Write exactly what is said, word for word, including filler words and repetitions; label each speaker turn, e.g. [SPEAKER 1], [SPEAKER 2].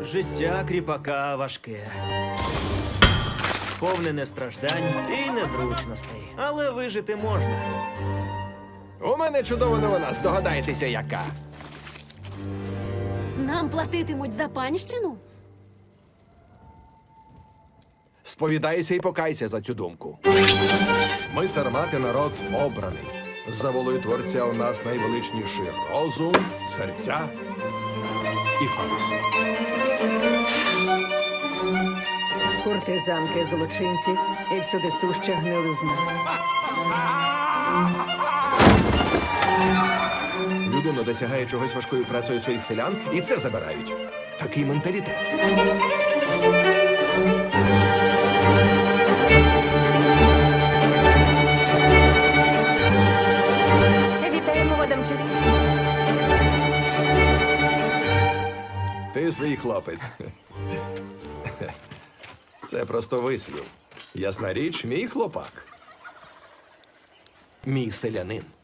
[SPEAKER 1] Життя кріпака важке. Сповнене страждань і незручностей. Але вижити можна.
[SPEAKER 2] У мене чудова новина, здогадаєтеся яка.
[SPEAKER 3] Нам платитимуть за панщину?
[SPEAKER 2] Сповідайся і покайся за цю думку. Ми, сармати, народ обраний. За волею Творця у нас найвеличніший розум, серця і фалуси.
[SPEAKER 4] Куртизанки, злочинці і всюди суща гнилизна.
[SPEAKER 2] Людина досягає чогось важкою працею своїх селян, і це забирають. Такий менталітет.
[SPEAKER 3] Вітаємо в Адамчесі.
[SPEAKER 2] Ти свій хлопець. Це просто вислів. Ясна річ, мій хлопак. Мій селянин.